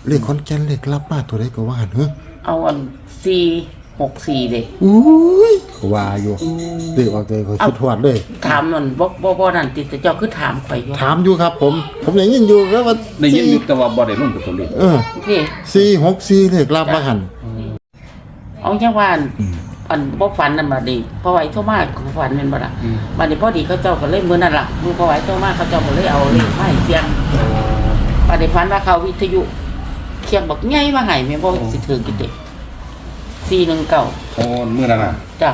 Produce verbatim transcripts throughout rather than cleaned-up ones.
เลขขอนแก่นเลขลับมาตัวใดก็ว่าหั่นเฮ้อเอาอันสี่หกสี่เด้อุ้ยก็ว่าอยู่เลขออกเลยก็คิดฮอดเลยถามนั่นบ่บ่บ่นั่นติแต่เจ้าคือถามข่อยอยู่ถามอยู่ครับผมผมได้ยินอยู่แล้วว่าได้ยินอยู่แต่ว่าบ่ได้ลงกับตัวเลขเออนี่สี่หกสี่เลขลับว่าหั่นเอาจังว่าอันบ่ฝันนั่นบัดนี้เพราะว่าไอ้โทรมาก็ฝันแม่นบ่ล่ะบัดนี้พอดีเขาเจ้าก็เลยมื้อนั้นล่ะมื้อพอไอ้โทรมาเขาเจ้าก็เลยเอาเลขมาให้เสียงบัดนี้ฝันว่าเขาวิทยุเคียงบักใหญ่มาให้แม่บ่สิถึงกินเด้สี่หนึ่งเก้าโอ้มื้อนั้นน่ะจ้ะ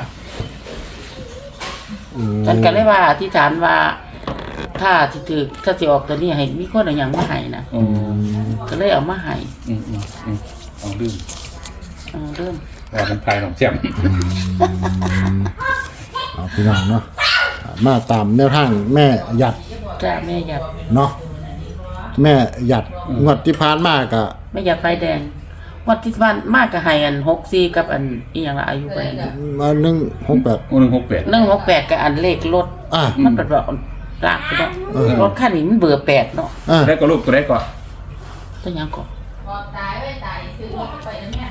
ฉันก็เลยว่าอธิษฐานว่าถ้าสิถือถ้าสิออกตัวนี้ให้มีคนเอาหยังมาให้นะอืมก็เลยเอามาให้อืมๆๆเอาลืมเออเริ่มว่าเป็นพายของแจ่มเอาพี่น้องเนาะมาตามแนวทางแม่หยัดจ้ะแม่หยัดเนาะแม่หยัดงวดที่ผ่านมาก็แม่หยัดไฟแดงงวดที่ผ่านมาก็ให้อันหกสี่กับอันอีหยังละอายุไปมาหนึ่งหกแปดโอ้หนึ่งหกแปดหนึ่งหกแปดกับอันเลขรถอ่ามันเป็นแบบลากไปเนาะรถคันนี้มันเบอร์แปดเนาะแล้วก็ลูกตัวได้ก่อนตัวยังก่อนตายไว้ตายซื้อไปแล้วเนี่ย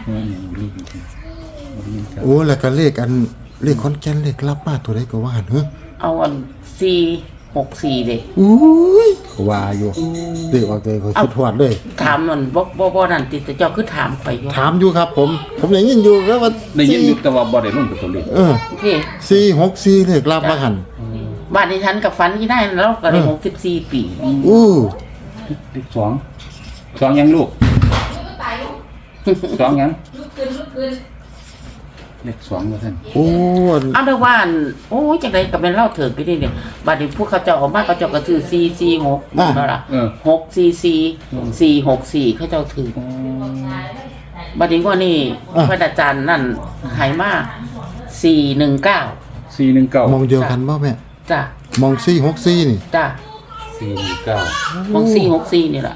โอ้แล้วก็เลขอันเลขขอนแก่นเลขลับมาตัวใดก็ว่าหั่นเฮ้อเอาอันสี่หกสี่เด้อุ้ยก็ว่าอยู่เลขออกเลยก็คิดฮอดเลยถามนั่นบ่บ่บ่นั่นติแต่เจ้าคือถามข่อยอยู่ถามอยู่ครับผมผมได้ยินอยู่แล้วว่าได้ยินอยู่แต่ว่าบ่ได้ลงกับตัวเลขเออนี่สี่หกสี่เลขลับว่าหั่นบ้านดิฉันกับฝันที่ได้แล้วก็ได้หกสิบสี่ปีอู้เลขสองสองยังลูกสองยังลูกขึ้นลูกขึ้นเลขสองว่าซั่นโอ้เอาเด้อว่าโอ้ยจังได๋ก็แม่นเล่าเถิดไปนี่เนี่ยบัดนี้พวกเขาเจ้าออกมาเขาเจ้าก็ซื้อสี่สี่หกนั่นล่ะหกสี่สี่ สี่หกสี่เขาเจ้าถือบัดนี้ว่านี่พระอาจารย์นั่นให้มาสี่หนึ่งเก้าสี่หนึ่งเก้ามองเดียวกันบ่แม่จ้ะมองสี่หกสี่นี่จ้ะสี่หนึ่งเก้ามองสี่หกสี่นี่ล่ะ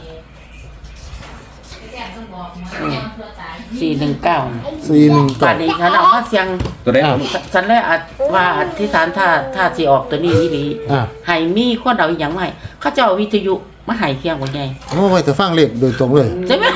สี่หนึ่งเก้าสี่หนึ่งเก้าบัดนี้ฉันเอามาเสียงตัวได้ฉันเลยว่าอธิษฐานถ้าถ้าสิออกตัวนี้อีหลีให้มีคนเอาอีหยังมาให้เขาเจ้าวิทยุมาให้เพียงบ่ใหญ่โอ้ไว้แต่ฟังเลขโดยตรงเลยใช่มั้ย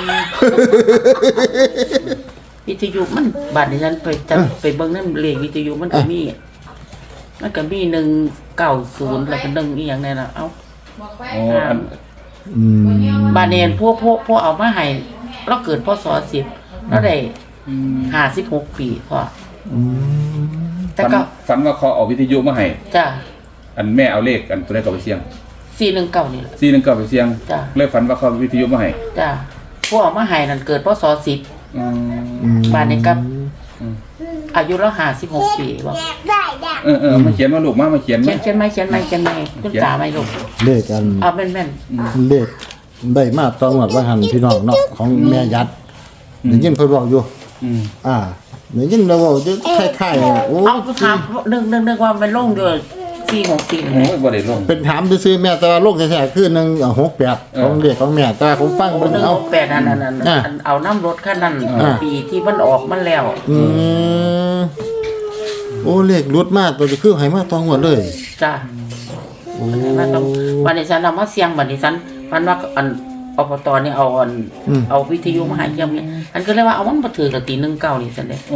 วิทยุมันบัดนี้ฉันไปจับไปเบิ่งนำเลขวิทยุมันก็มีมันก็มีหนึ่งเก้าศูนย์แล้วก็หนึ่งอีหยังแน่น่ะเอ้าอ๋ออันอืมบาดนี้พวกพวกพวกเอามาให้เราเกิดพศสิบแล้วได้ห้าสิบหกปีพอแต่ก็ฝันว่าเขาเอาวิทยุมาให้จ้ะอันแม่เอาเลขอันตัวได้ก็ไปเสี่ยงสี่หนึ่งเก้านี่แหละสี่หนึ่งเก้าไปเสี่ยงจ้ะเลยฝันว่าเขาวิทยุมาให้จ้ะพวกเอามาให้นั่นเกิดพศสิบอืมบาดนี้กับอายุแล้วห้าสิบหกปีบ่เออเออมาเขียนมาลูกมามาเขียนเขียนเขียนไหมเขียนไหมเขียนไหมคุณตาไหมลูกเลขกันเอาแม่นแม่นเลขได้มาตอนหมดว่าหันพี่น้องเนาะของแม่ยัดได้ยินเพิ่นบอกอยู่อ่าได้ยินเราบอกอยู่คล้ายๆโอ้เอาถามนึกนึกนึกว่ามันลงอยู่สี่หกสี่โอ้ยบ่ได้ลงเป็นถามซื่อๆแม่แต่ว่าลงแท้ๆคือหนึ่งหกแปดของเลขของแม่แต่ผมฟังเบิ่งเอาแปดนั่นนั่นเอาน้ำรถคันนั้นปีที่มันออกมันแล้วอืมโอ้เลขรุดมากตัวจะคือให้มาตองหมดเลยจ้ะโอ้มาต้องวันนี้ฉันเอามาเสียงวันนี้ฉันมันว่าอันอบตนี่เอาอันเอาวิทยุมาให้ยังนี่อันก็เลยว่าเอามันมาถือละตีหนึ่งเก้านี่ฉันเด้โอ้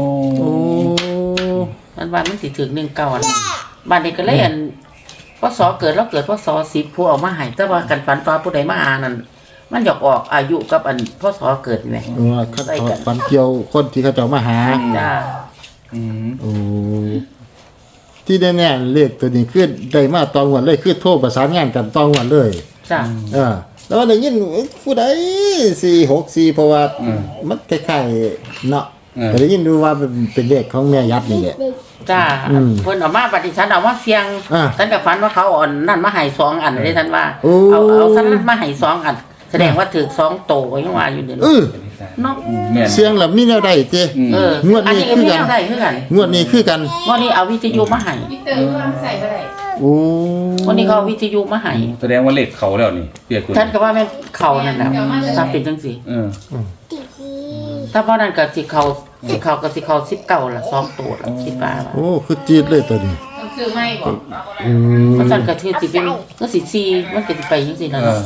มันว่ามันสิถือหนึ่งเก้าอันบ้านนี้ก็เลยอันพศเกิดแล้วเกิดพศสิบผู้เอามาให้แต่ว่ากันฝันฟ้าผู้ใดมาอ่านนั่นมันอยากออกอายุกับอันพศเกิดนี่เออคันฝันเกี่ยวคนที่เขาเจ้ามาหาจ้าอืมโอ้ที่แน่ๆเลขตัวนี้คือได้มาตองหวนเลยคือโทรประสานงานกันตองหวนเลยจ้าเออแล้วได้ยินผู้ใดสี่หกสี่เพราะว่ามันคล้ายๆเนาะแต่ได้ยินดูว่าเป็นเป็นเลขของแม่ยัดนี่แหละจ้าเพิ่นเอามาปฏิฉันเอามาเสียงฉันก็ฝันว่าเขาอ่อนนั่นมาให้สองอันเลยท่านว่าเอาเอาฉันมาให้สองอันแสดงว่าถือสองโตยังว่าอยู่เดี๋ยวนี้เนาะเสียงแล้วมีแนวใดติเอองวดนี้คือกันงวดนี้คือกันงวดนี้เอาวิทยุมาให้มิเตอร์ว่าใส่บ่ได้โอ้วันนี้เขาวิทยุมาให้แสดงว่าเลขเขาแล้วนี่เปียกคุณท่านก็ว่าแม่นเขานั่นแหละถ้าเป็นจังซี่เออถ้าเพราะนั้นก็สิเขาสิเขาก็สิเขาสิบเก้าละสองตัวละคิดว่าโอ้คือจี๊ดเลยตัวนี้ต้องซื้อใหม่บ่อืมมันสั่นก็คือสิเป็นก็สิสี่มันก็สิไปจังซี่นั่น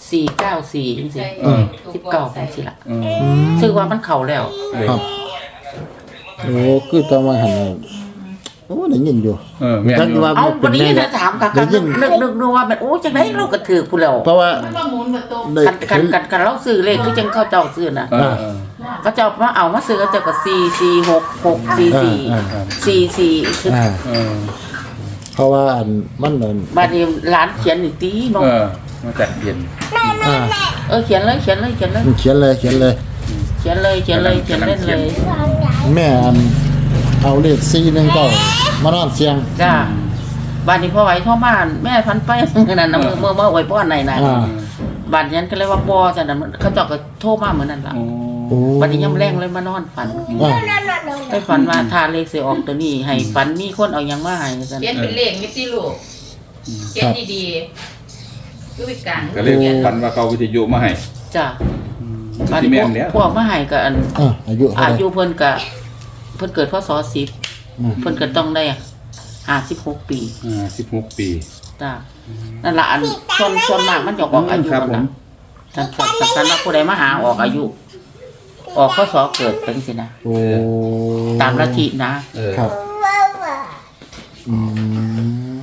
สี่เก้าสี่จังซี่เออสิบเก้าจังซี่ล่ะเอออืมถือว่ามันเข้าแล้วครับโอ้คือตอนมาหันน่ะโอ้ได้ยินอยู่เออแม่นจักอยู่ว่าเอาเป็บ่นได้แม่ยินยันะดถามค่ะได้ยินนึกนึกนึกว่ามันโอ้จังได๋เราก็ถือผู้แล้วเพราะว่ามันมาหมุนประตูได้กันกันเห็นกันกันเราซื้อเลขคือจังเขาเจ้าซื้อน่ะเออเออเขาเจ้ามาเอามาซื้อเขาเจ้าก็สี่ สี่ หก หก สี่ สี่อ่าสี่ สี่คืออ่าเออเพราะว่าอันมันนั่นบัดนี้ร้านเขียนนี่ตีเนาะเออมาจัดเย็นอ่าเออเขียนเลยเขียนเลยเขียนเลยมันเขียนเลยเขียนเลยเขียนเลยเขียนเลยเขียนเล่นเลยแม่อันเอาเลขสี่หนึ่งเก้ามานอนเสียงจ้าบ้านนี้พ่อไหวพ่อบ้านแม่พันไปนั่นนะเมื่อเมื่อเมื่อไหวพ่อไหนนะอ่าบ้านนั้นก็เลยว่าบ่จังนั้นเขาเจ้าก็โทรมาเหมือนนั่นล่ะโอ้โอ้บัดนี้ยามแรงเลยมานอนฝันอ่าไปฝันว่าถ้าเลขสิออกตัวนี้ให้ฝันมีคนเอาหยังมาให้ซั่นเขียนเป็นเลขนิดสิลูกเขียนดีๆคือไปกลางก็เลยฝันว่าเขาวิทยุมาให้จ้าบ้านที่นี้แม่พวน กแล้วพวกมาให้ก็อันอ่าอายุเท่าอาไหร่ยุเพิ่นก็เพิ่นเกิดพศสิบอืมเพิ่นก็ต้องได้ห้าสิบหกปีอ่าสิบหกปีจ้านั่นล่ะอันส่วนส่วนมากมันจะออกอายุครับมันผล่ะมสำคัญสำคัญว่าผู้ใดมาหาออกอายุ ออกพศเกิดเป็นสินะโอ้ตามลัทธินะเออครับอืม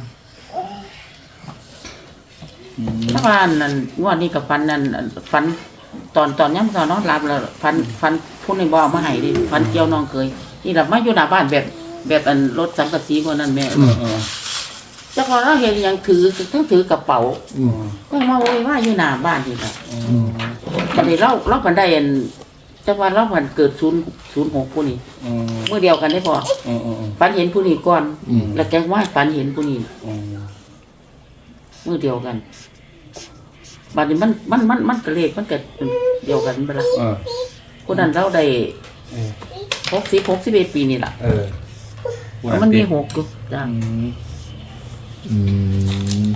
ถ้าว่านั่นงวดนี้กับฟันนั่นฟันตอนตอนย่ำตอนนอนหลับแล้วฟันฟันผู้นึงบ่เอามาให้ดิฟันเกี่ยวน้องเคยนี่ล่ะมาอยู่หน้าบ้านแบบแบบอันรถสังกะสีกว่านั้นแม่เออเออเจ้าของเราเห็นหยังถือทั้งถือกระเป๋าอืมก็มาโวยว่าอยู่หน้าบ้านนี่ล่ะอืมบัดนี้เราเราพันได้อันจังว่าเราพันเกิดศูนย์ศูนย์หกผู้นี้เออเมื่อเดียวกันได้พอเออเออฝันเห็นผู้นี้ก่อนอืมแล้วแกว่าฝันเห็นผู้นี้เออเมื่อเดียวกันบัดนี้มันมันมันมันกระเลขมันก็เดียวกันไปละเออคนนั้นเราได้หกสิบหกสิบเอ็ดปีนี่ล่ะเออมันมีหกอยู่จ้าอืมอืม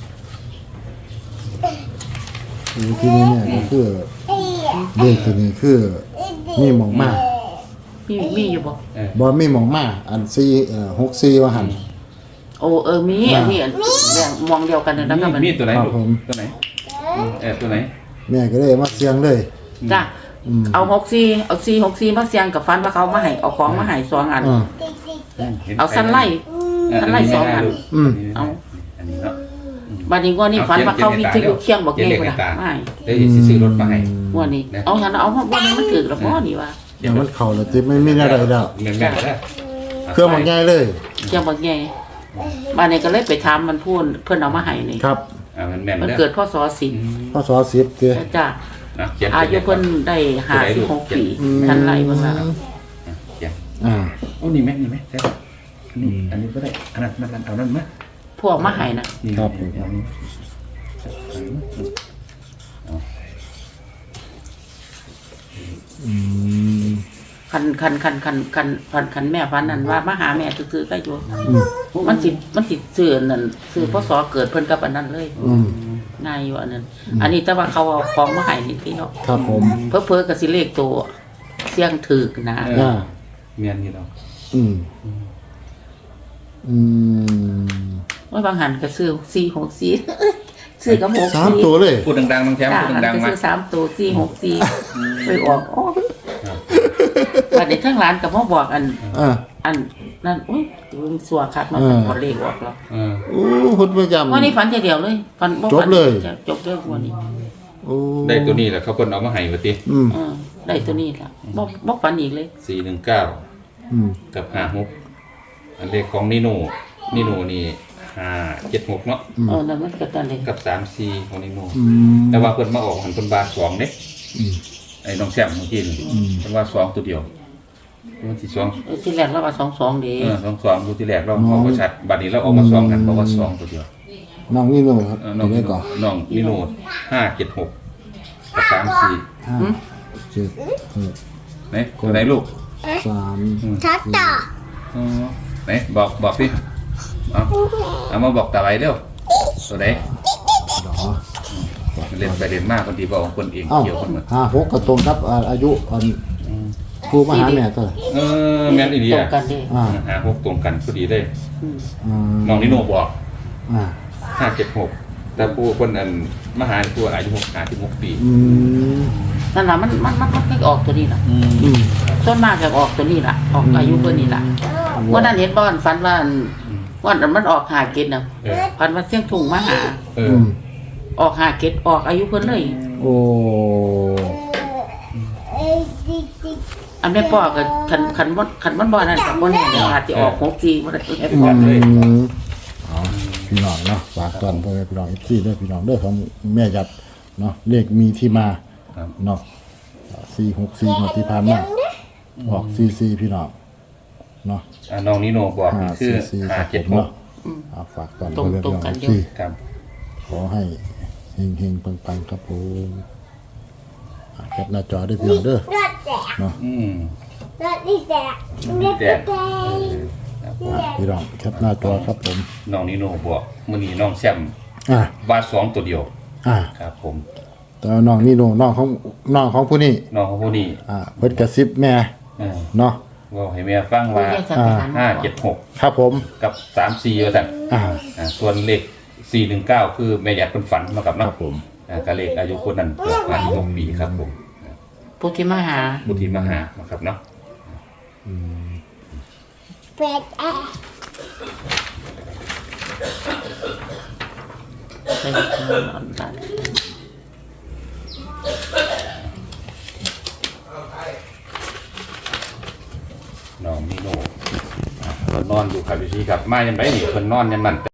โอ้ที่นี่เนี่ยก็คือเลขตัวนี้คือมีหมองมามีมีอยู่บ่เออบ่มีหมองมาอันสี่เอ่อหกสี่ว่าหันโอ้เออมีอันนี้อันแบ่งมองเดียวกันเลยนะครับมันมีตัวไหนครับลูกผมตัวไหนเออตัวไหนแม่ก็เลยมาเสียงเลยจ้าอืมเอาหกสี่เอาสี่หกสี่มาเสียงกับฟันว่าเขามาให้เอาของมาให้สองอันอ่าห็นเอาสั้นไล่เออสั้นไล่สองอันอืมเอาอันนี้เนาะบัดนี้ว่านี่ฝันว่าเขาวิทยุเคียงบอกเขียนเงี้เลย ขบ่ในตาล่ะไม่ได้สิซื้อรถมาให้ว่านี่เอาฉันเอาว่าวันนี้มันถือแล้วพ่อนี่ว่าเดี๋ยวมันเข้าแล้วจิไม่มีอะไรแล้วแม่นแม่นแล้วเครื่องมันง่ายเลยเคียงบอกเงี้ยบัดนี้ก็เลยไปถามมันพูดเพิ่นเอามาให้นี่ครับอ่ามันแม่นมันแล้วเกิดพศสิบพศสิบเด้อจ้านะเขียนอายุเพิ่นได้ห้าสิบหกปีทันไรเบิ่งล่ะเขียนอ่าโอ้นี่แม่นี่แม่ใช่อันนี้อันนี้ก็ได้อันนั้นมันเอานั่นมั้ยพวกมาให้น่ะนี่ครับผมเอานี่อืมคันคันคันคันคันคันคันแม่ฟันนั่นว่ามาหาแม่ซื่อๆก็อยู่อืมมันสิมันสิซื้ออันนั่นซื้อพศเกิดเพิ่นกับอันนั้นเลยอืมง่ายอยู่อันนั้น อันนี้แต่ว่าเขาเอาของมาให้นี่ที่เนาะครับผมเพิ่อๆก็สิเลขตัวเสียงถึกนะอ่าเมียนนี่เราอืมอืมว่าบางหันก็ซื้อสี่หกสี่ ซื้อกับหกสามสี่ตัวเลยพูดดังๆบางแชมป์จ้าพูดหันดังก็ๆมาซื้อสามตัวสี่หกสี่ไปออกโอ้ยบัดนี้ทั้งร้านก็มาบอกอันอ่าอันนั่นอุ้ยมันสัวคักมาเออพอเลขออกแล้วเออโอ้หุ่นประจำวันนี้ฝันทีเดียวเลยฝันบ่จบฝันเลยจะจบเรื่องวันนี้โอ้ได้ตัวนี้แหละเขาเพิ่นเอามาให้ว่าติอืมเออได้ตัวนี้ละบ่บ่ฝันอีกเลยสี่หนึ่งเก้าอืมกับห้าหกอันเลขของนิโน่นิโน่นี่ห้าเจ็ดหกเนาะเออนั่นมันก็ตันเลยกับสามสี่ของนิโน่อืมแต่ว่าเพิ่นมาออกหันเพิ่นบาสองเด้อืมไอ้น้องแซมเมื่อกี้นี่อืมเพิ่นว่าสองตัวเดียวมันสิสองเออที่แรกเราว่าสองสองดีเออสองสองตัวที่แรกเราเอาบ่ชัดบัดนี้เราออกมาสองกันเพราะว่าสองตัวเดียวน้องนี่หนูครับเออน้องตัวนี้ก่อนน้องนิโน่ห้าเจ็ดหกกับสามสี่ห้าเจ็ดหกไหนตัวไหนลูกสามทัดต่ออ๋อไหนบอกบอกสิเอาเอามาบอกตาไว้เร็วตัวไหนดอเล่นไปเล่นมากคนดีบอกของคนเองเอ้าเกี่ยวคนหมดห้าหกก็ตรงครับอ่าอายุอันครูมหาแม่ตัวไหร่เออแม่นอีเดีตรยงกันดีอ่าหาหกตรงกันพอดีเลยอืมอ่าน้องนิโน่บอกอ่าห้าเจ็ดหกแต่ผู้คนอันมหาผู้อายุหกสิบหกปีอืมนั่นล่ะมันมันมันมันก็ออกตัวนี้ล่ะอืมอืมต้นมากจะออกตัวนี้ล่ะ ออกอายุเพิ่นนี่ล่ะวันนั้นเห็นบ่อนฝันว่าอันวันนั้นมันออกหาเกตน่ะเออฝันว่าเสียงถุงมาหาเออือมออกหาเกตออกอายุเพิ่นเลยโอ้อันแม่พ่อก็คันคันบ่คันมันบ่นั่นก็บ่แน่เดี๋ยวอาจสิออกหกสี่บ่ได้อืมเอาพี่น้องเนาะฝากตอนพ่อแม่พี่น้องอีกที่ด้วยพี่น้องเด้อของแม่ยัดเนาะเลขมีที่มาครับเนาะสี่หกสี่งวดที่ผ่านมาออกสี่สี่พี่น้องเนาะอ่าน้องนิโนบอกห้าคือสี่สี่ห้าครับเจ็ดผมหกเนาะเอาฝากตอนพ่อแม่พี่น้องอีกที่ครับขอให้เฮงเฮงปังปังๆครับผมอ่ะแคปหน้าจอด้วยพี่น้องเด้อเนาะอืมรถนี่แตกรถแดนี่ดแตเอก อครับอ่ะพี่น้องแคปหน้าจอครับผมน้องนิโนบอกมื้อนี้น้องแซมอ่ะวาดสองตัวเดียวอ่ะครับผมแต่ว่าน้องนี่โนน้องของน้องของผู้นี้น้องเขาผู้นี้อ่ะเพิ่นกระซิบแม่เออเนาะว่าให้แม่ฟังว่าผู้ใหญ่สันติหารห้าเจ็ดหกครับผมกับสามสี่ว่าซั่นอ่าอ่าส่วนเลขสี่หนึ่งเก้าคือแม่อยากเป็นฝันเนาะครับครัเนาะบผมอ่าก็เลขอายุคนนั้นเกิดมาหกปีครับผมผู้ที่มาหาบุตรีมหานะครับเนาะแปดแอะไปทางออนไลน์น้องนิโนอ่าเพิ่นนอนอยู่ครับพี่ชีครับมายังไงนี่เพิ่นนอนยังมัน